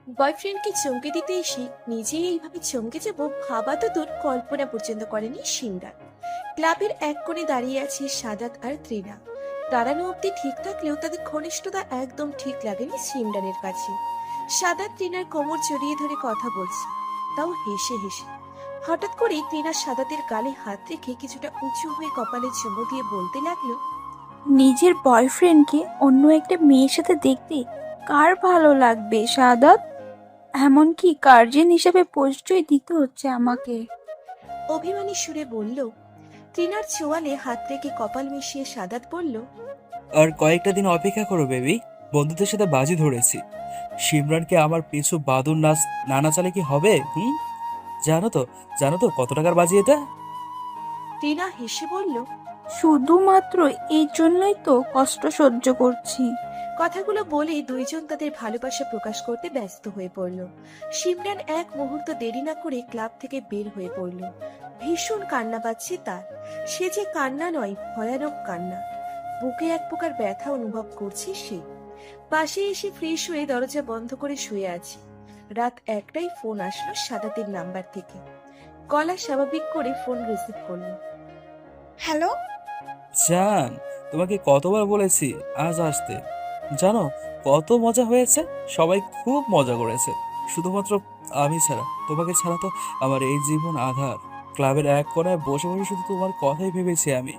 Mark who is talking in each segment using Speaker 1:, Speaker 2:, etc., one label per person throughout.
Speaker 1: বয়ফ্রেন্ডকে চমকে দিতে এসে নিজেই এইভাবে চমকে যাব ভাবা তো দূর, কল্পনা পর্যন্ত করেনি সিমরান। ক্লাবের এক কোণে দাঁড়িয়ে আছে সাদাত আর ত্রিনা। দাঁড়ানো অব্দি ঠিক থাকলেও তাদের ঘনিষ্ঠতা একদম ঠিক লাগেনি সিমরানের কাছে। সাদাত ত্রিনার কোমর জড়িয়ে ধরে কথা বলছে, তাও হেসে হেসে। হঠাৎ করেই ত্রিনা সাদাতের গালে হাত রেখে কিছুটা উঁচু হয়ে কপালে চুমু দিয়ে বলতে লাগলো,
Speaker 2: নিজের বয়ফ্রেন্ডকে অন্য একটা মেয়ের সাথে দেখতে কার ভালো লাগবে সাদাত? এমনকি গার্জিয়ান হিসেবে পরিচয় দিতে হচ্ছে আমাকে।
Speaker 1: অভিমানী সুরে বলল। ত্রিনার চোয়ালে হাত রেখে কপাল মিশিয়ে সাদাত বলল,
Speaker 3: আর কয়েকটা দিন অপেক্ষা করো বেবি। বন্ধুদের সাথে বাজি ধরেছি, সিমরানকে আমার পিছু বাদুর নাচ নানা চালে কি হবে? জানো তো, জানো তো কত টাকার বাজি এটা?
Speaker 1: ত্রিনা হেসে বলল।
Speaker 2: শুধুমাত্র এই জন্যই তো কষ্ট সহ্য করছি।
Speaker 1: কথাগুলো বলে দুইজন তাদের ভালোবাসা প্রকাশ করতে ব্যস্ত হয়ে পড়ল। সিমরান এক মুহূর্ত দেরি না করে ক্লাব থেকে বের হয়ে পড়ল। ভীষণ কান্না পাচ্ছে তার। সে যে কান্না নয়, ভয়ানক কান্না। বুকে এক প্রকার ব্যথা অনুভব করছে সে। পাশে এসে ফ্রেশ হয়ে দরজা বন্ধ করে শুয়ে আছে। রাত একটাই ফোন আসলো সাদাতের নাম্বার থেকে। গলা স্বাভাবিক করে ফোন রিসিভ করলো।
Speaker 4: হ্যালো।
Speaker 3: জান, তোমাকে কতবার বলেছি আজ আসতে। জানো কত মজা হয়েছে, সবাই খুব মজা করেছে। শুধুমাত্র আমি ছাড়া, তোমাকে ছাড়া তো আমার এই জীবন আধার। ক্লাবের এক কোণায় বসে বসে শুধু তোমার কথাই ভেবেছি আমি।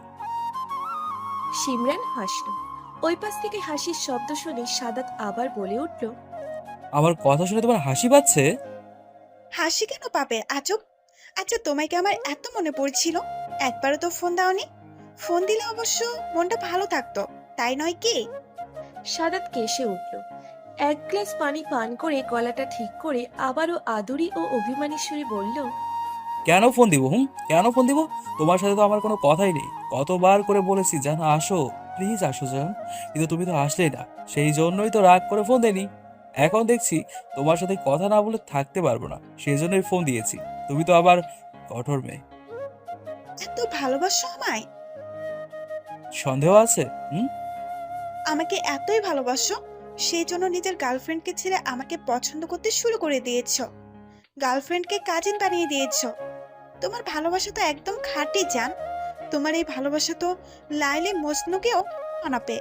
Speaker 1: সিমরান হাসল। ওই পাশ থেকে হাসির শব্দ শুনে সাদাত আবার বলে উঠল,
Speaker 3: আমার কথা শুনে তোমার হাসি পাচ্ছে?
Speaker 4: হাসি কেন পাবে আজব? আচ্ছা, তোমায় কি আমার এত মনে পড়ছিল? একবারও তো ফোন দাওনি। ফোন দিলে অবশ্য মনটা ভালো থাকতো, তাই নয় কি?
Speaker 1: সাদাত কেসে উঠল। এক গ্লাস পানি পান করে গলাটা ঠিক করে আবারও আদুরি ও অভিমানী সুরে বলল,
Speaker 3: কেন ফোন দিব? কেন ফোন দিব? তোমার সাথে তো আমার কোনো কথাই নেই। কতবার করে বলেছি জান, আসো প্লিজ আসো জান, কিন্তু তুমি তো আসলেই না। সেই জন্যই তো রাগ করে ফোন দেনি। এখন দেখছি তোমার সাথে কথা না বলে থাকতে পারবো না, সেই জন্যই ফোন দিয়েছি। তুমি তো আবার কঠোর মেয়ে।
Speaker 4: এত ভালোবাসো আমায়?
Speaker 3: সন্দেহ আছে?
Speaker 4: আমাকে এতই ভালোবাসো, সেই জন্য নিজের গার্লফ্রেন্ডকে ছেড়ে আমাকে পছন্দ করতে শুরু করে দিয়েছো। গার্লফ্রেন্ডকে কাজিন বানিয়ে দিয়েছো। তোমার ভালোবাসা তো একদম খাঁটি জান। তোমার এই ভালোবাসা তো লাইলে মজনুকেও মানাবে।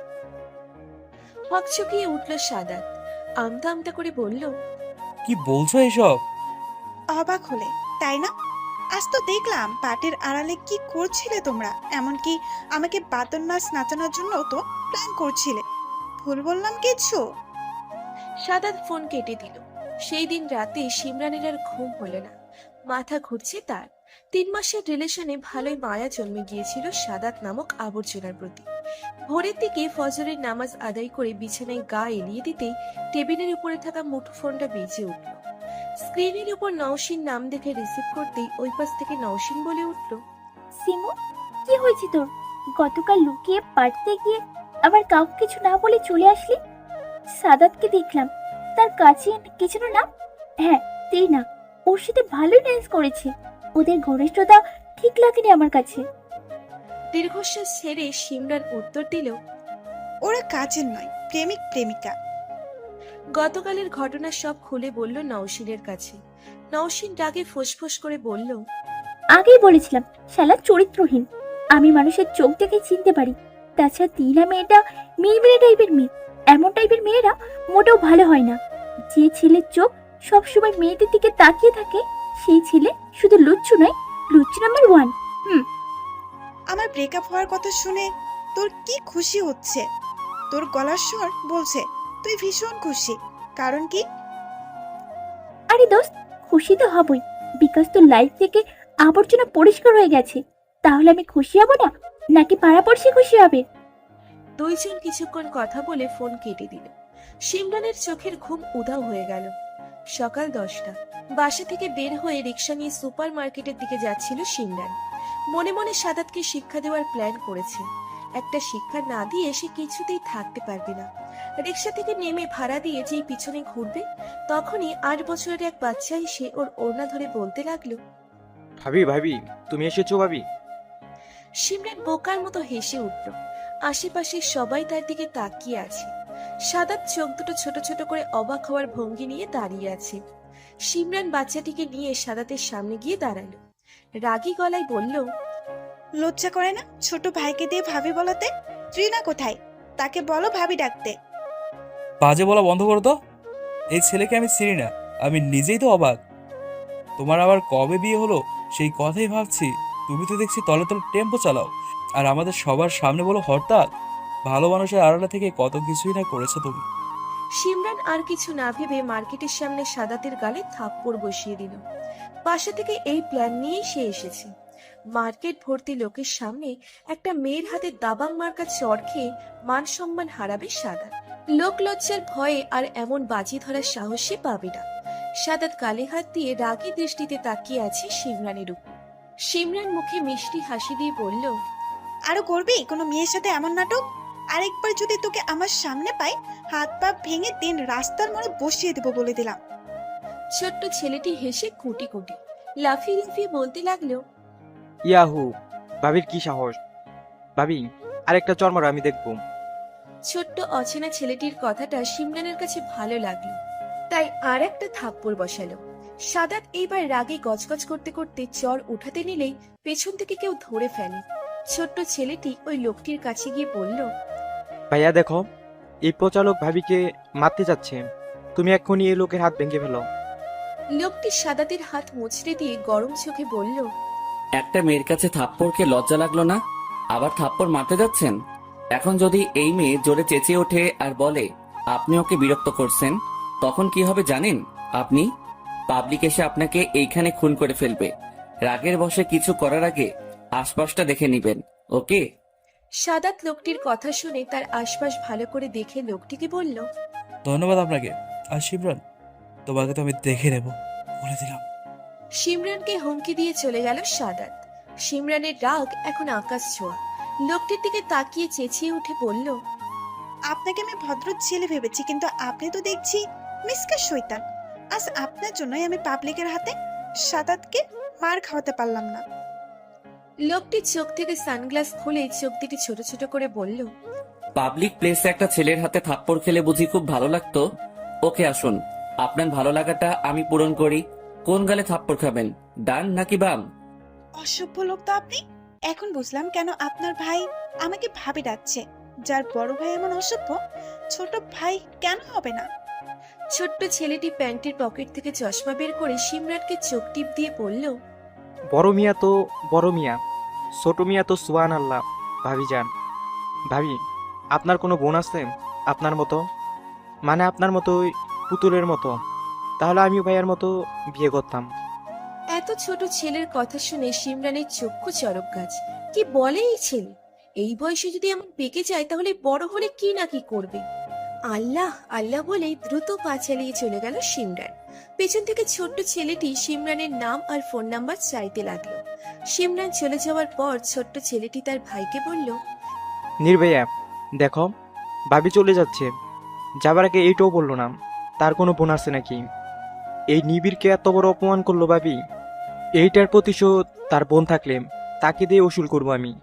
Speaker 1: হকচকিয়ে উঠল সাদাত। আমতা আমতা করে বলল,
Speaker 3: কি বলছো এসব?
Speaker 4: অবাক হলে, তাই না? আজ তো দেখলাম পার্টির আড়ালে কি করছিলে তোমরা। এমনকি আমাকে বাদর নাচ নাচানোর জন্য তো প্ল্যান করছিলে। ভুল বললাম কিছু?
Speaker 1: সাদাত ফোন কেটে দিল। সেই দিন রাতে সিমরানের আর ঘুম হলো না। মাথা ঘুরছে তার। 3 মাসের রিলেশনে ভালোই মায়া জন্মে গিয়েছিল সাদাত নামক আবর্জনার প্রতি। ভোরের দিকে ফজরের নামাজ আদায় করে বিছানায় গা এলিয়ে দিতেই টেবিলের উপরে থাকা মুঠোফোনটা বেজে উঠল। স্ক্রিনের উপর নওশিন নাম দেখে রিসিভ করতেই ওই পাশ থেকে নওশিন বলে উঠল,
Speaker 5: সিমু, কি হয়েছে তোর? গতকাল লুকিয়ে পারতে গিয়ে আবার কাউকে কিছু না বলে চলে আসলি। সাদাতকে দেখলাম, তার কাছে কিছু নাম। হ্যাঁ, তুই না, ওর সাথে ভালোই ড্যান্স করেছে। ওদের ঘনিষ্ঠতা ঠিক লাগেনি আমার কাছে।
Speaker 1: দীর্ঘশ্বাস ছেড়ে সিমরান উত্তর দিল,
Speaker 4: ওরা কাজের নয়, প্রেমিক প্রেমিকা।
Speaker 1: গতকালের ঘটনা সব খুলে বলল নওশিনের কাছে। নওশিন রাগে ফোঁসফোঁস করে বলল,
Speaker 5: আগেই বলেছিলাম শালা চরিত্রহীন। আমি মানুষের চোখ দেখে চিনতে পারি। তাছাড়া তিনা মেয়েটা মেয়ে টাইপের মেয়ে। এমন টাইপের মেয়েরা মোটেও ভালো হয় না। যে ছেলের চোখ সবসময় মেয়েদের দিকে তাকিয়ে থাকে, সেই ছেলে শুধু লুচ্চু নয়, লুচ্চু নাম্বার 1।
Speaker 4: আমার ব্রেকআপ হওয়ার কথা শুনে তোর কি খুশি হচ্ছে? তোর গলার স্বর বলছে তুই ভীষণ খুশি। কারণ কি?
Speaker 5: আরে দোস্ত, খুশি তো হবই, বিকজ তোর লাইফ থেকে আবর্জনা পরিষ্কার হয়ে গেছে। তাহলে আমি খুশি হব না, নাকি পাড়াপড়শি খুশি হবে?
Speaker 1: দুইজন কিছুক্ষণ কথা বলে ফোন কেটে দিল। সিমরানের চোখের ঘুম উধাও হয়ে গেল। সকাল 10টা। বাসা থেকে বের হয়ে রিক্সা নিয়ে সুপার মার্কেটের দিকে যাচ্ছিল সিমরান। মনে মনে সাদাতকে শিক্ষা দেওয়ার প্ল্যান করেছে। একটা শিক্ষা না দিয়ে সে কিছুতেই থাকতে পারবে না। রিক্সা থেকে নেমে ভাড়া দিয়ে যেই পিছনে ঘুরবে, তখনই 8 বছরের এক বাচ্চা এসে ওর ওড়না ধরে বলতে লাগলো,
Speaker 6: ভাবি ভাবি, তুমি এসেছো ভাবি।
Speaker 1: সিমরান বোকার মতো হেসে উঠল। আশেপাশে সবাই তার দিকে তাকিয়ে আছে। সাদাত চোখ দুটো ছোট ছোট করে অবাক হওয়ার ভঙ্গি নিয়ে দাঁড়িয়ে আছে। সিমরান বাচ্চাটিকে নিয়ে সাদাতের সামনে গিয়ে দাঁড়ালো। রাগী গলায় বলল,
Speaker 4: লজ্জা করে না ছোট ভাইকে দিয়ে ভাবি বলাতে? ত্রিনা কোথায়? তাকে বলো ভাবি ডাকতে।
Speaker 3: বাজে বলা বন্ধ করো তো। এই ছেলেকে আমি চিনি না, আমি নিজেই তো অবাক। তোমার আবার কবে বিয়ে হলো সেই কথাই ভাবছি। তুমি তো দেখছি তলে তলে টেম্পো চালাও, আর আমাদের সবার সামনে বলো হরতাল। ভালো মানুষের আড়ালে থেকে কত কিছুই না করেছো তুমি।
Speaker 1: সিমরান আর কিছু না ভেবে মার্কেটের সামনে সাদাতের গালে থাপ্পড় বসিয়ে দিল। বাসা থেকে এই প্ল্যান নিয়েই সে এসেছে। মার্কেট ভর্তি লোকের সামনে একটা মেয়ের হাতে দাবাং মার্কা চড় খেয়ে মান সম্মান হারাবে সাদাত। লোক লজ্জার ভয়ে আর এমন বাজি ধরার সাহস সে পাবে না। সাদাত গালে হাত দিয়ে রাগী দৃষ্টিতে তাকিয়ে আছে সিমরানের উপর। সিমরান মুখে মিষ্টি হাসি দিয়ে বলল,
Speaker 4: আরো করবি কোনো মেয়ের সাথে এমন নাটক? আরেকবার যদি তোকে আমার সামনে পাই, হাত পা ভেঙে দিন রাস্তার মোড়ে বসিয়ে দেবো বলে দিলাম।
Speaker 1: ছোট্ট ছেলেটি হেসে কুটি কুটি লাফিয়ে লাফিয়ে বলতে লাগলো,
Speaker 6: ইয়াহু, ভাবির কি সাহস! ভাবি, আরেকটা চর মারো, আমি দেখবো।
Speaker 1: ছোট্ট অচেনা ছেলেটির কথাটা সিমরানের কাছে ভালো লাগলো, তাই আর একটা থাপ্পড় বসালো। সাদাত এইবার রাগে গজগজ করতে করতে চর উঠাতে নিলেই পেছন থেকে কেউ ধরে ফেলে। ছোট্ট ছেলেটি ওই লোকটির কাছে গিয়ে বলল,
Speaker 6: ভাইয়া দেখো, এই পচালক ভাবিকে মারতে যাচ্ছে। তুমি এক্ষুনি এই লোকের হাত ভেঙে ফেলো।
Speaker 1: লোকটি সাদাতের হাত মুচড়ে দিয়ে গরম চোখে বলল,
Speaker 7: একটা মেয়ের কাছে থাপ্পড়কে লজ্জা লাগলো না? আবার থাপ্পড় মারতে যাচ্ছেন? এখন যদি এই মেয়ে জোরে চেঁচিয়ে ওঠে আর বলে আপনি ওকে বিরক্ত করছেন, তখন কি হবে জানেন? আপনি পাবলিক এসে আপনাকে এইখানে খুন করে ফেলবে। রাগের বশে কিছু করার আগে আশপাশটা দেখে নিবেন, ওকে?
Speaker 1: সাদাত লোকটির কথা শুনে তার আশপাশ ভালো করে দেখে লোকটিকে বলল,
Speaker 3: ধন্যবাদ আপনাকে। আর সিমরান, তোমাকে তো আমি দেখে নেব বলে দিলাম।
Speaker 1: সিমরানকে হুমকি দিয়ে চলে গেল সাদাত। সিমরানের রাগ এখন আকাশ ছোঁয়া। লোকটির দিকে তাকিয়ে চেঁচিয়ে উঠে বলল,
Speaker 4: আপনাকে আমি ভদ্র ছেলে ভেবেছি, কিন্তু আপনি তো দেখছি মিসকা শয়তান। আজ আপনার জন্যই আমি পাবলিকের হাতে সাদাতকে মার খাওয়াতে পারলাম না।
Speaker 1: লোকটি চোখ থেকে সানগ্লাস খুলে চোখ দুটি ছোট ছোট করে বলল,
Speaker 7: পাবলিক প্লেসে একটা ছেলের হাতে থাপ্পড় খেলে বুঝি খুব ভালো লাগতো? ওকে আসুন, আপনার ভালো লাগাটা আমি পূরণ করি। কোন গালে থাপ্পড় খাবেন, ডান নাকি বাম?
Speaker 4: অসভ্য লোক তো আপনি। এখন বুঝলাম কেন আপনার ভাই আমাকে ভাবি ডাকছে। যার বড় ভাই এমন অসভ্য, ছোট ভাই কেন হবে না?
Speaker 1: ছোট্ট ছেলেটি প্যান্টের পকেট থেকে চশমা বের করে সিমরানকে চোখ টিপ দিয়ে বলল,
Speaker 6: বড় মিয়া তো বড় মিয়া, ছোট মিয়া তো সুবহান আল্লাহ। ভাবি যান, ভাবি, আপনার কোনো বোন আছে আপনার মতো? মানে আপনার মতোই পুতুলের মতো? তাহলে আমিও ভাইয়ার মতো বিয়ে করতাম।
Speaker 1: এত ছোট ছেলের কথা শুনে সিমরানের চক্ষু চরক গাছ। কি বলে এই ছেলে? এই বয়সে যদি এমন পেকে যায় তাহলে বড় হলে কি না কি করবে। আল্লাহ আল্লাহ বলে দ্রুত পা চালিয়ে চলে গেল সিমরান। পেছন থেকে ছোট্ট ছেলেটি সিমরানের নাম আর ফোন নাম্বার চাইতে লাগলো। সিমরান চলে যাওয়ার পর ছোট্ট ছেলেটি তার ভাইকে বলল,
Speaker 6: নির্ভয়া, দেখো, ভাবি চলে যাচ্ছে। যাবার আগে এইটাও বললো না তার কোনো বোন আছে নাকি। এই নিবিড়কে এত বড় অপমান করলো ভাবি। এইটার প্রতিশোধ তার বোন থাকলে তাকে দিয়ে উসুল করবো আমি।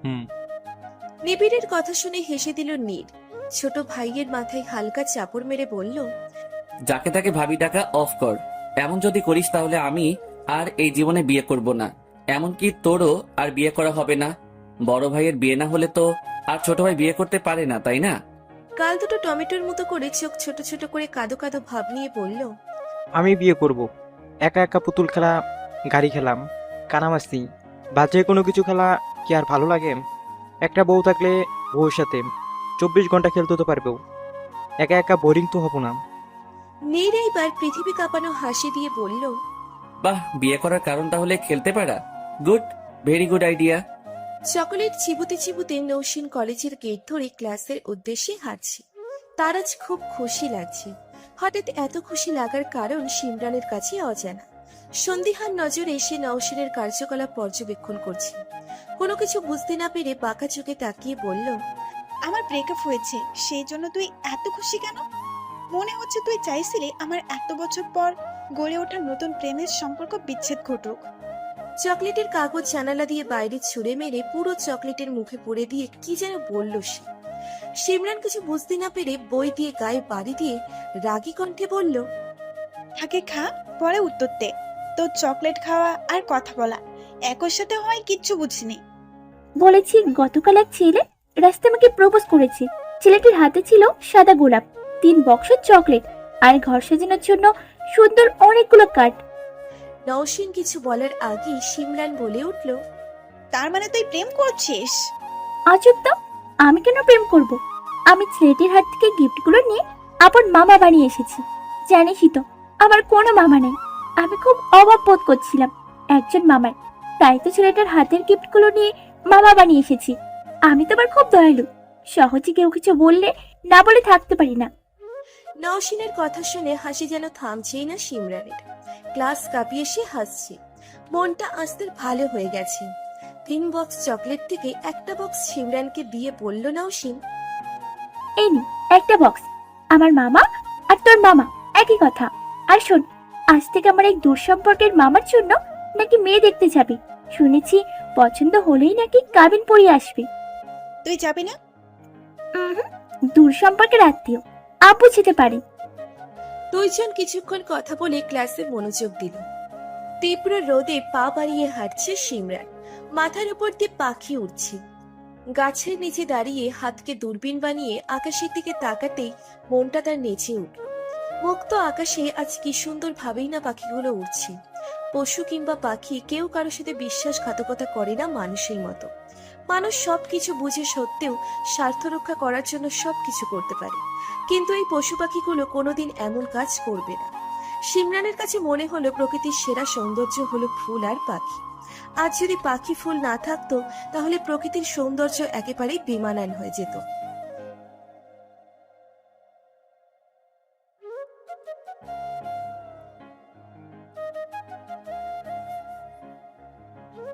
Speaker 1: নিবিড়ের কথা শুনে হেসে দিল নীর। ছোট ভাইয়ের মাথায় হালকা চাপড় মেরে বলল,
Speaker 7: যাকে তাকে ভাবি ডাকা অফ কর। এমন যদি করিস তাহলে আমি আর এই জীবনে বিয়ে করব না। এমনকি তোরও আর বিয়ে করা হবে না। বড় ভাইয়ের বিয়ে না হলে তো আর ছোট ভাই বিয়ে করতে পারে না, তাই না?
Speaker 1: গাল দুটো টমেটোর মতো করে চোখ ছোট ছোট করে কাঁদো কাঁদো ভাব নিয়ে বলল,
Speaker 6: আমি বিয়ে করব। একা একা পুতুল খেলা, গাড়ি খেলাম, কানামাসি বা যে কোনো কিছু খেলা কি আর ভালো লাগে? একটা বউ থাকলে বউর সাথে 24 ঘন্টা খেলতে তো পারবো। একা একা বোরিং তো হব না।
Speaker 1: নীর এইবার পৃথিবী কাঁপানো হাসি দিয়ে বলল,
Speaker 7: বাহ, বিয়ে করার কারণ তাহলে খেলতে পারা। Good, very good idea.
Speaker 1: Chocolate চিবুতে চিবুতে নৌসিন কলেজের গেট ধরে ক্লাসের উদ্দেশ্যে হাঁটছে। তার আজ খুব খুশি লাগছে। হঠাৎ এত খুশি লাগার কারণ সিমরানের কাছে অজানা। সন্দিহান নজরে সে নৌসিনের কার্যকলাপ পর্যবেক্ষণ করছে। কোনো কিছু বুঝতে না পেরে বাঁকা চোখে তাকিয়ে বলল,
Speaker 4: আমার ব্রেকআপ হয়েছে, সেই জন্য তুই এত খুশি কেন? মনে হচ্ছে তুই চাইছিলি আমার এত বছর পর গড়ে ওঠা নতুন প্রেমের সম্পর্ক বিচ্ছেদ ঘটুক।
Speaker 1: চকলেটের কাগজ জানালা দিয়ে বাইরে ছুঁড়ে মেরে পুরো চকলেটের মুখে পুড়ে দিয়ে কি যেন বলল সে। সিমরান কিছু বুঝতে না পেরে বই দিয়ে গায়ে বাড়ি দিয়ে রাগী কণ্ঠে বলল,
Speaker 4: থাকে খা, পরে উত্তর দে। তোর চকলেট খাওয়া আর কথা বলা একর সাথে হয়, কিচ্ছু বুঝিনি।
Speaker 5: বলেছি গতকাল এক ছেলে রাস্তায় আমাকে প্রপোজ করেছে। ছেলেটির হাতে ছিল সাদা গোলাপ, 3 বক্স চকলেট আর ঘর সাজানোর জন্য সুন্দর অনেকগুলো কার্ড।
Speaker 1: নওশিন কিছু বলার আগেই সিমরান বলে উঠল,
Speaker 4: তার মানে তুই প্রেম করছিস?
Speaker 5: আজব তো, আমি কেন প্রেম করব? আমি ছেলেটির হাত থেকে গিফটগুলো নিয়ে আপন মামা বানিয়ে এসেছি। জানিসই তো আমার কোনো মামা নেই। আমি খুব অভাব বোধ করছিলাম একজন মামার, তাই তো ছেলেটার হাতের গিফটগুলো নিয়ে মামা বানিয়ে এসেছি। আমি তো আবার খুব দয়ালু, সহজে কেউ কিছু বললে না বলে থাকতে পারি না।
Speaker 1: নওশিনের কথা শুনে হাসি যেন থামছেই না সিমরানের। ক্লাস কাঁপিয়ে সে হাসছে। মনটা আস্তে ভালো হয়ে গেছে। 3 বক্স চকলেট থেকে একটা বক্স সিমরানকে দিয়ে বলল নওশিন,
Speaker 5: এই নি একটা বক্স, আমার মামা আর তোর মামা একই কথা। আর শোন, আজ থেকে আমার এক দূর সম্পর্কের মামার জন্য নাকি মেয়ে দেখতে যাবি। শুনেছি পছন্দ হলেই নাকি কাবিন পরিয়ে আসবে।
Speaker 4: তুই যাবি না?
Speaker 5: উহুম, দূর সম্পর্কের আত্মীয়, আপু যেতে পারে।
Speaker 1: দুইজন কিছুক্ষণ কথা বলে ক্লাসে মনোযোগ দিল। তীব্র রোদে পা বাড়িয়ে হাঁটছে সিমরান। মাথার উপর দিয়ে পাখি উঠছে। গাছের নিচে দাঁড়িয়ে হাতকে দূরবীন বানিয়ে আকাশের দিকে তাকাতেই মনটা তার নেচে উঠল। মুক্ত আকাশে আজ কি সুন্দর ভাবেই না পাখিগুলো উড়ছে। পশু কিংবা পাখি কেউ কারোর সাথে বিশ্বাসঘাতকতা করে না মানুষের মতো। মানুষ সবকিছু বুঝে সত্ত্বেও স্বার্থ রক্ষা করার জন্য সবকিছু করতে পারে, কিন্তু এই পশু পাখিগুলো কোনোদিন এমন কাজ করবে না। সিমরানের কাছে মনে হলো প্রকৃতির সেরা সৌন্দর্য হলো ফুল আর পাখি। আজ যদি পাখি ফুল না থাকতো তাহলে প্রকৃতির সৌন্দর্য একেবারেই বেমানান হয়ে যেত।